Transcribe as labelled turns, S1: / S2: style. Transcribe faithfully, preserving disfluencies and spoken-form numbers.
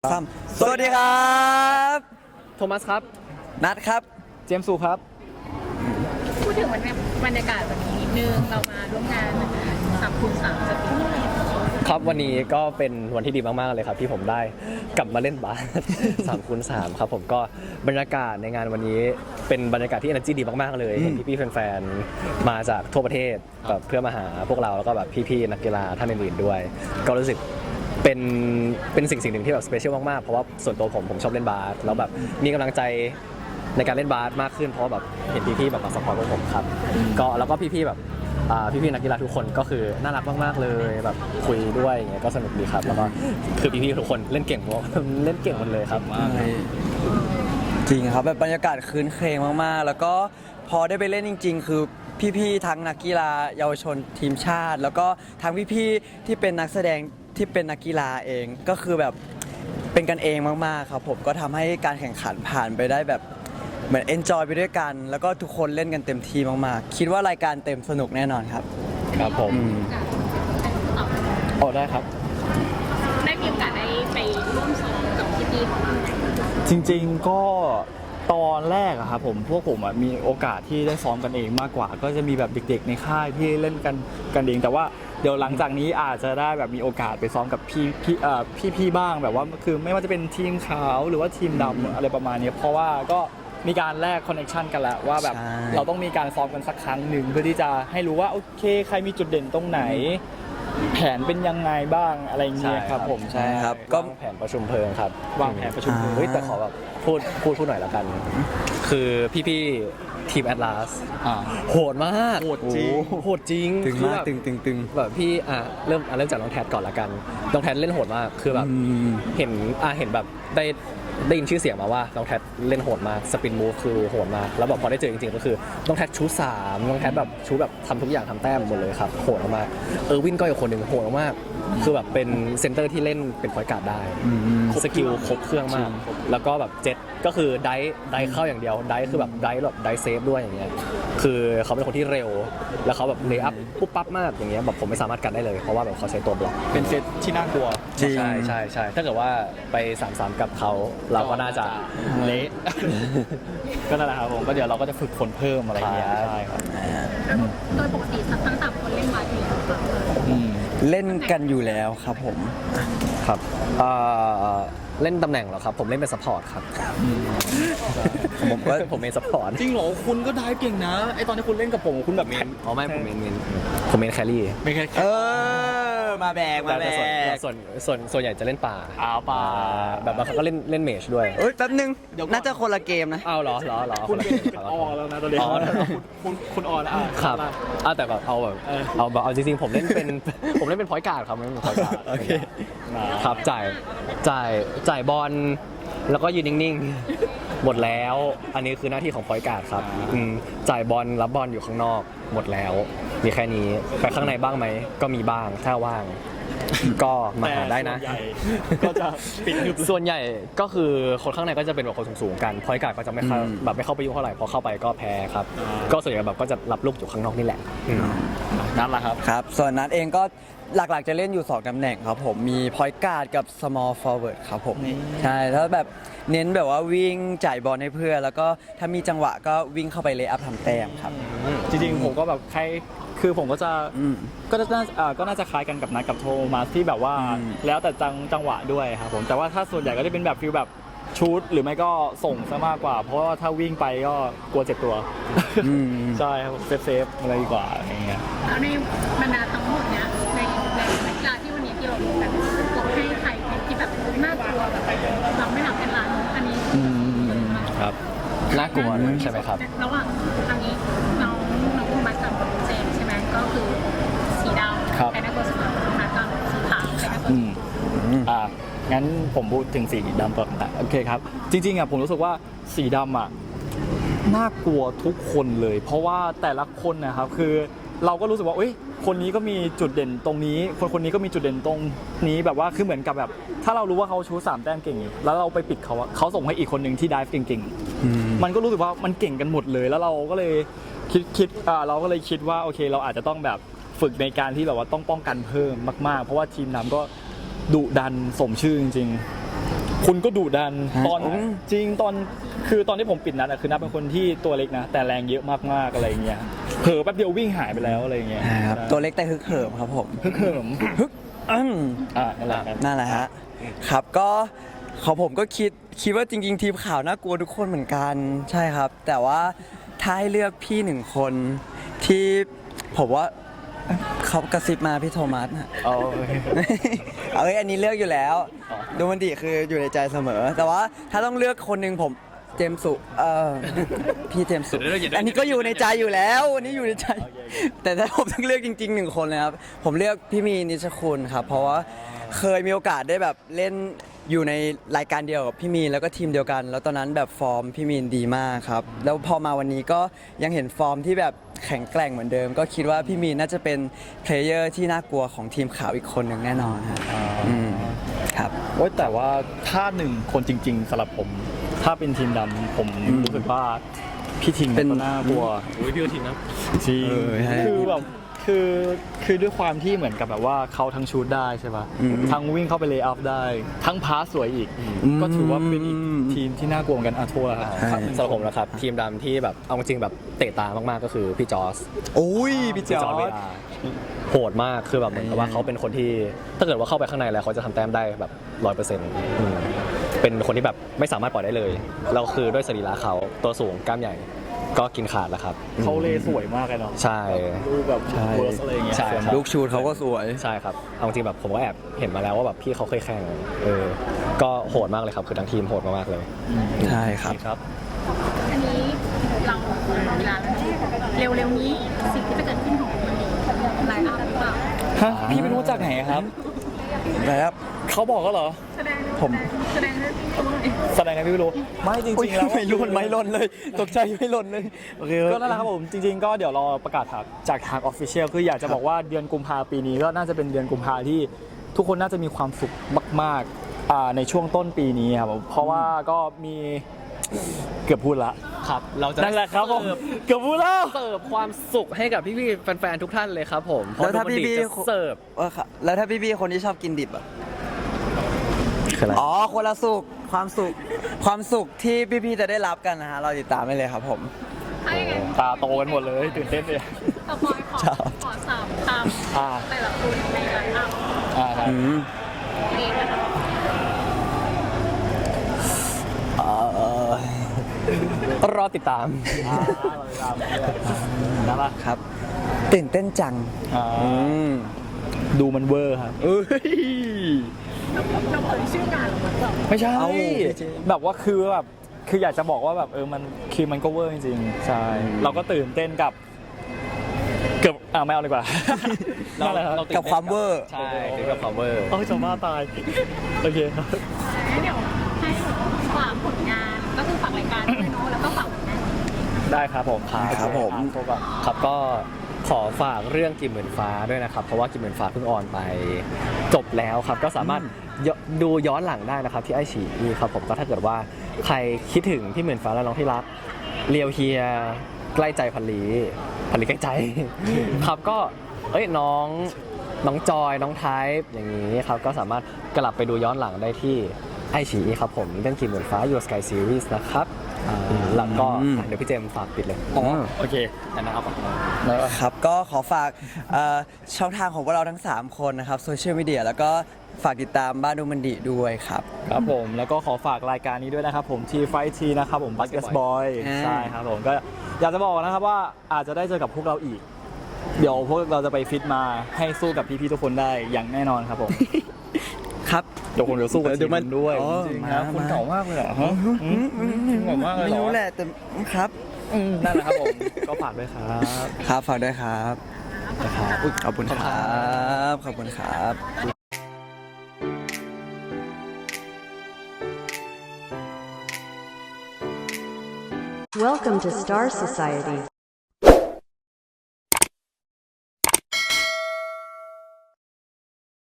S1: ซ้ำสวัสดีครับ
S2: โทมัสครับ
S1: นัทครับ
S2: เจมส์สุครับ
S3: พูดถึงบรรยากาศวันนี้นิดนึงเรามาร่วมงานสามคูณสามสปีด
S2: ครับวันนี้ก็เป็นวันที่ดีมากๆเลยครับที่ผมได้กลับมาเล่นบาส สามคูณสามครับผมก็บรรยากาศในงานวันนี้เป็นบรรยากาศที่ energy ดีมากๆเลยเห็นพี่ๆแฟนๆมาจากทั่วประเทศแบบเพื่อมาหาพวกเราแล้วก็แบบพี่ๆนักกีฬาท่านอื่นๆด้วยก็รู้สึกเป็นเป็นสิ่งสิ่งหนึ่งที่แบบสเปเชียลมากๆเพราะว่าส่วนตัวผมผมชอบเล่นบาสแล้วแบบมีกำลังใจในการเล่นบาสมากขึ้นเพราะแบบเห็นพี่ๆแบบมาซัพพอร์ตพวกผมครับก็แล้วก็พี่ๆแบบพี่ๆนักกีฬาทุกคนก็คือน่ารักมากๆเลยแบบคุยด้วยอย่างเงี้ยก็สนุกดีครับแล้วก็คือพี่ๆทุกคนเล่นเก่งหมดเล่นเก่งหมดเลยครับ
S1: จริงครับแบบบรรยากาศคืนเครงมากๆแล้วก็พอได้ไปเล่นจริงๆคือพี่ๆทั้งนักกีฬาเยาวชนทีมชาติแล้วก็ทั้งพี่ๆที่เป็นนักแสดงที่เป็นนักกีฬาเองก็คือแบบเป็นกันเองมากๆครับผมก็ทำให้การแข่งขันผ่านไปได้แบบเหมือนเอนจอยไปด้วยกันแล้วก็ทุกคนเล่นกันเต็มที่มากๆคิดว่ารายการเต็มสนุกแน่นอนครับ
S2: ครับผมโอ้ได้ครับ
S3: ได้มีโอกาสได้ไปร่วมซ้อมกับพี่ๆของเรา
S4: จริงๆก็ตอนแรกอะครับผมพวกผมอะมีโอกาสที่ได้ซ้อมกันเองมากกว่าก็จะมีแบบเด็กๆในค่ายที่เล่นกันกันเองแต่ว่าเดี๋ยวหลังจากนี้อาจจะได้แบบมีโอกาสไปซ้อมกับพี่พี่เอ่อพี่ๆบ้างแบบว่าคือไม่ว่าจะเป็นทีมขาวหรือว่าทีมดำอะไรประมาณนี้เพราะว่าก็มีการแลกคอนเนคชั่นกันแล้วว่าแบบเราต้องมีการซ้อมกันสักครั้งหนึ่งเพื่อที่จะให้รู้ว่าโอเคใครมีจุดเด่นตรงไหนแผนเป็นยังไงบ้างอะไรอย่างเงี้ยครับผม
S1: ใช่ครับก็
S2: แผนประชุมเพลิงครับ
S4: วางแผนประชุมเพลิง
S2: เฮ้ยแต่ขอแบบพูดพูดพูดหน่อยละกันคือพี่ๆทีมแอตลาสโหดมาก
S4: โหดจริง
S2: โหดจริง
S1: ตึงมากตึงตึงตึง
S2: แบบพี่อ่ะเริ่มเริ่มจากน้องแทดก่อนละกันน้องแทดเล่นโหดมากคือแบบเห็นอ่ะเห็นแบบได้ได้ยินชื่อเสียงมาว่าน้องแทดเล่นโหดมากสปินมูฟคือโหดมากแล้วแบบพอได้เจอจริงๆก็คือน้องแทดชูสามน้องแทดแบบชูแบบทำทุกอย่างทำแต้มหมดเลยครับโหดมากเออร์วินก็อีกคนหนึ่งโหดมากคือแบบเป็นเซนเตอร์ที่เล่นเป็นพอยต์การ์ดได้สกิลครบเครื่องมากแล้วก็แบบเจ็ตก็คือไดไดเข้าอย่างเดียวไดคือแบบไดแบบไดเซฟด้วยอย่างเงี้ยคือเขาเป็นคนที่เร็วแล้วเขาแบบเลย์อัพปุ๊บปั๊บมากอย่างเงี้ยแบบผมไม่สามารถกันได้เลยเพราะว่าแบบเขาใช้ตัวบล็อก
S4: เป็นเซตที่น่ากลัว
S2: ใช่ใช่ใช่ถ้าเกิดว่าไปสามสามกับเขาเราก็น่าจะ
S4: เละก็นั่นแหละครับผมก็เดี๋ยวเราก็จะฝึกฝนเพิ่มอะไรอย่างเงี้ยใช่ครับ
S3: โดยปกติทั้งสามคนเล่นบาสอยู่แล้วครับ
S1: เล่นกันอยู่แล้วครับผม
S2: ครับเล่นตำแหน่งเหรอครับผมเล่นเป็นซัพพอร์ตครับผมก็ผมเป็นซัพพอร์ต
S4: จริงเหรอคุณก็ได้เก่งนะไอตอนที่คุณเล่นกับผมคุณแบบ
S2: เมนอ๋อไม่ผมเมนเมนผมเมนแครี่
S4: ไม่แค่
S1: เออมาแบกมาแบก
S2: ส่วนส่วนส่วนใหญ่จะเล่นป่า
S4: อ้าวป่า
S2: แบบบางครั้งก็เล่นเล่นเมจด้วย
S1: เอ้ยแป๊บนึงน่าจะคนละเกมนะ
S2: อ้าวเหรอเหรอเหรอ
S4: คุณเป็นออแล้วนะตอนนี้คุณคุณออแล้ว
S2: ครับอ้าวแต่แบบเอาแบบเอาแบบเอาจริงๆผมเล่นเป็นผมเล่นเป็นพอยต์การ์ดครับไม่เป็นพอยต์การ์ด
S4: โอเค
S2: ครับจ่ายจ่ายจ่ายบอลแล้วก็ยืนนิ่งๆหมดแล้วอันนี้คือหน้าที่ของพอยต์การ์ดครับจ่ายบอลรับบอลอยู่ข้างนอกหมดแล้วมีแค่นี้ไปข้างในบ้างไหมก็มีบ้างถ้าว่างก็มาหาได้นะ
S4: ก็จะปิด
S2: ส่วนใหญ่ก็คือคนข้างในก็จะเป็นแบบคนสูงๆกันพอยต์การ์ดก็จะไม่เข้าแบบไม่เข้าไปยุ่งเท่าไหร่พอเข้าไปก็แพ้ครับก็ส่วนใหญ่แบบก็จะรับลูกอยู่ข้างนอกนี่แหละ
S4: นั่นแหละครับ
S1: ครับส่วนนัทเองก็หลักๆจะเล่นอยู่สองตำแหน่งครับผมมี point guard กับ small forward ครับผมใช่แล้วแบบเน้นแบบว่าวิ่งจ่ายบอลให้เพื่อนแล้วก็ถ้ามีจังหวะก็วิ่งเข้าไปเลย์อัพทำแต้มครับ
S4: จริงๆผมก็แบบใครคือผมก็จะก็น่าก็น่าจะคล้ายกันกับนัทกับโทมัสที่แบบว่าแล้วแต่จังจังหวะด้วยครับผมแต่ว่าถ้าส่วนใหญ่ก็จะเป็นแบบฟิลแบบชูตหรือไม่ก็ส่งซะมากกว่าเพราะว่าถ้าวิ่งไปก็กลัวเจ็บตัวใช่ครับเซฟเซฟอะไรดีกว่าอย่างเงี้ย
S3: แล้วในบรรดาทั้งหมดเนี้ยในในนักกีฬาที่วันนี้ที่เราลงกันเราให้ใครที่แบบน่ากลัวแบบเราไม่หลับเป็นล้านอันนี้
S2: ครับน่ากลัวใช่ไหมครับ
S3: ระหว่างทางนี้น้องน้องโทมัสกับเจมใช่ไหมก็คือสีดำใครน่ากลัวสุดโทมัสกับสีขาวใครน่ากลัวสุด
S4: อ่างั้นผมพูดถึงสีดำก่อนนะโอเคครับจริงๆอ่ะผมรู้สึกว่าสีดำอ่ะน่ากลัวทุกคนเลยเพราะว่าแต่ละคนนะครับคือเราก็รู้สึกว่าเอ้ยคนนี้ก็มีจุดเด่นตรงนี้คนคนนี้ก็มีจุดเด่นตรงนี้แบบว่าคือเหมือนกับแบบถ้าเรารู้ว่าเขาชูสามแต้มเก่งแล้วเราไปปิดเขาเขาส่งให้อีกคนหนึ่งที่ไดฟ์เก่งๆมันก็รู้สึกว่ามันเก่งกันหมดเลยแล้วเราก็เลยคิดคิดอ่าเราก็เลยคิดว่าโอเคเราอาจจะต้องแบบฝึกในการที่แบบว่าต้องป้องกันเพิ่มมากๆเพราะว่าทีมน้ำก็ดุดันสมชื่อจริงๆคุณก็ดุดัน
S1: ฮะ
S4: ตอน
S1: อืม
S4: จริงตอนคือตอนที่ผมปิดนัดอะคือนับเป็นคนที่ตัวเล็กนะ แต่แรงเยอะมากๆอะไรเงี้ยเผลอแป๊บเดียววิ่งหายไปแล้วอะไรเงี้ย
S1: ครับตัวเล็กแต่ฮึกเหิมครับผม
S4: ฮึกเหิม
S1: ฮึกอืม
S4: อ่านั่นแหละครับ
S1: นั่นแหละฮะครับก็ของผมก็คิดคิดว่าจริง ๆ ทีมข่าวน่ากลัวทุกคนเหมือนกันใช่ครับ แต่ว่าถ้าให้เลือกพี่หนึ่งคนที่ผมว่าเขากระซิบมาพี่โทมัสฮะ
S4: เอา
S1: เอาเอ้ยอันนี้เลือกอยู่แล้ว
S4: อ๋อ
S1: ดูมันดีคืออยู่ในใจเสมอ แต่ว่าถ้าต้องเลือกคนหนึ่งผมเจมส์สุเออพี่เจมส์สุอันนี้ก็อยู่ในใจอยู่แล้วอันนี้อยู่ในใจ แต่ถ้าผมต้องเลือกจริงๆหนึ่งคนเลยครับผมเลือกพี่มีนิชคุณครับเพราะว่าเคยมีโอกาสได้แบบเล่นอยู่ในรายการเดียวกับพี่มีนแล้วก็ทีมเดียวกัน แล้วตอนนั้นแบบฟอร์มพี่มีนดีมากครับแล้วพอมาวันนี้ก็ยังเห็นฟอร์มที่แบบแข็งแกร่งเหมือนเดิม ก็คิดว่าพี่มีนน่าจะเป็นเพลเยอร์ที่น่ากลัวของทีมข่าวอีกคนหนึ่งแน่นอนครับอืมครับ
S4: โอ๊ยแต่ว่าถ้าหนึ่งคนจริง ๆสำหรับผม ถ้าเป็นทีมดำผม
S1: อืม
S4: รู้สึกว่าพี่ทิง
S1: เป็น
S4: ก็น่ากลัว
S2: อุ้ยพี่ทีนะ
S4: จริง
S1: เออใช่
S4: คือแบบคือคือด้วยความที่เหมือนกับแบบว่าเขาทั้งชูดได้ใช่ปะ
S1: อืม
S4: ทั้งวิ่งเข้าไปเลย์อัพได้ ทั้งพาสสวยอีก
S1: อืม
S4: ก็ถือว่าเป็นอีกทีมที่น่ากลัวเหมือนกันอาโทษครับ
S1: ใช่
S2: สำหรับผมนะครับทีมดำที่แบบเอาจริงแบบเตะตามากๆก็คือพี่จอร์ส
S1: โอ้ยพี่จอ
S2: จอร์จเว
S1: ร์ด
S2: ลาโหดมากคือแบบเหมือนกับว่าเขาเป็นคนที่ถ้าเกิดว่าเข้าไปข้างในแล้วเขาจะทำแต้มได้แบบร้อยเปอร์เซ็นต์เป็นคนที่แบบไม่สามารถปล่อยได้เลยเราคือด้วยสรีระเขาตัวสูงกล้ามใหญ่ก็กินขาดแล้วครับ
S4: เขาเลย์สวยมากเลยเนาะ
S2: ใช่
S4: ดูแบบเวิร์สอะไรอย่างเงี้ย
S2: ใช่ครับ
S1: ลูกชูดเขาก็สวย
S2: ใช่ครับเอาจริงแบบผมก็แอบเห็นมาแล้วว่าแบบพี่เขาเคยแข่งเออก็โหดมากเลยครับคือทั้งทีมโหดมากๆเลย
S1: ใช่ครับ
S4: ครับ
S3: อันนี้เราเวลาแล้วเร็วๆนี้สิ่งที่จะเกิดขึ้นของมันดีไลน์อัพหรือเปล่า
S4: ฮะพี่ไม่รู้จากไหนครับ
S1: แล้ว
S4: เขาบอกก็เหรอ
S3: แสดง
S1: ผม
S3: แสดงด้วยตัวหน่อย
S4: แสดงไงพี่ไม่รู้ ไม่จริงๆแล้ว
S1: ไม่ล่นไม่ล่นเลย ตกใจไม่ล่นเลยโอเค
S4: ก็นั่นแหละครับผมจริง ๆ ก็เดี๋ยวรอประกาศจากทางออฟฟิเชียลคืออยากจะบอกว่าเดือนกุมภาปีนี้ก็น่าจะเป็นเดือนกุมภาที่ทุกคนน่าจะมีความสุขมากๆอ่าในช่วงต้นปีนี้ครับผมเพราะว่าก็มีเกือบพูดละ
S2: ครับเราจะ
S4: นั่นแหละครับผม
S2: เสิร์ฟ
S4: เกือบพูดแล้ว
S2: เสิร์ฟความสุขให้กับพี่ๆแฟนๆทุกท่านเลยครับผม
S1: แล้วถ้าพี่
S2: เพระ
S1: พี่
S2: ดูมันดีจะเสิร์ฟ
S1: เออครับแล้วถ้าพี่พี่คนที่ชอบกินดิบอ่ะ
S2: คืออะไร
S1: อ๋อคนละสุขความสุขความสุขที่พี่พี่จะได้รับกันนะฮะเราติดตามได้เลยครับผม
S3: ถ้าอย่างนั้น
S4: ตาโตกันหมดเลยตื่นเต้นเลย
S3: ต่อไปขอ
S1: ครับ
S3: ขอสามค
S4: อ่า
S3: ำแต่ละคนในไลน์อัพ
S4: อ่าครับ
S1: อืม
S3: เองนะคะ
S1: เอ่อ
S2: รอติดตาม
S4: อ่าเราไปตามเนี่ยนั่นแหละ
S1: ครับตื่นเต้นจัง
S4: อ่า
S1: อืม
S4: ดูมันเวอร์ครับ
S1: เอ้ย
S3: เราเผยชื่องานออกมาก่อน
S4: ไม่ใช่
S1: เอ้าพี่เจมส์
S4: แบบว่าคือแบบคืออยากจะบอกว่าแบบเออมันคือมันก็เวอร์จริงๆใช่เราก็ตื่นเต้นกับเกือบอ่าไม่เอาดีกว่านั่นแหละครับ
S1: กับความเวอร์
S2: ใช่ถึงกับความเวอร์
S4: เอ้ยจะบ้าตายโอเคครับ
S3: งั้นเดี๋ยวให้ฝากผลงานก็คือฝากรายการด้วยเนาะแล้วก็ฝากผลงาน
S4: ได้ครับผม
S1: ครับผม
S4: อ่ะโทรก่อน
S2: ครับก็ขอฝากเรื่องกิมหมื่นฟ้าด้วยนะครับ เพราะว่ากิมหมื่นฟ้าเพิ่งออนไปจบแล้วครับ ก็สามารถยดูย้อนหลังได้นะครับที่ไอฉีอีครับผมก็ถ้าเกิดว่าใครคิดถึงพี่หมื่นฟ้าและน้องที่รักเลียวเฮียใกล้ใจพันลีพันลีใกล้ใจ ครับก็เอ้ยน้องน้องจอยน้องไทป์อย่างนี้ครับก็สามารถกลับไปดูย้อนหลังได้ที่ไอฉีอีครับผมเรื่องกิมหมื่นฟ้า Your Sky Series นะครับแล้วก็อ่ะเดี๋ยวพี่เจมส์ฝากปิดเลย
S1: อ๋อ
S4: โอเค
S2: อันนะครับ
S1: ครับก็ขอฝากเอ่อช่องทางของพวกเราทั้ง สาม คนนะครับโซเชียลมีเดียแล้วก็ฝากติดตามบ้านดูมันดีด้วยครับ
S4: ครับผมแล้วก็ขอฝากรายการนี้ด้วยนะครับผมทีไฟทีนะครับผมบัสเกตบอล
S1: อ่า
S4: ใช่ครับผมก็อยากจะบอกนะครับว่าอาจจะได้เจอกับพวกเราอีก เดี๋ยวพวกเราจะไปฟิตมาให้สู้กับพี่ๆทุกคนได้อย่างแน่นอนครับผม
S1: ครับ
S4: เดี๋ยวผมจะสู้กับ
S1: เดี๋
S4: ที
S1: ยว
S4: ม
S1: มัน
S4: คุณด้วย
S1: อ๋อ
S4: จริงๆ
S1: มา
S4: นะคุณ
S1: มา
S4: เก่ามากเลยเหรอฮะอืมคุณเก่ามากเลยเหร
S1: ไม่
S4: อ
S1: รู้แหละแต่ครับ
S4: อืมนั่นแหละครับผมก็ฝากด้วยครับ
S1: ครับฝากด้วยครับอุ๊ยขอบคุณครับขอบคุณครับ
S5: Welcome to Star Society.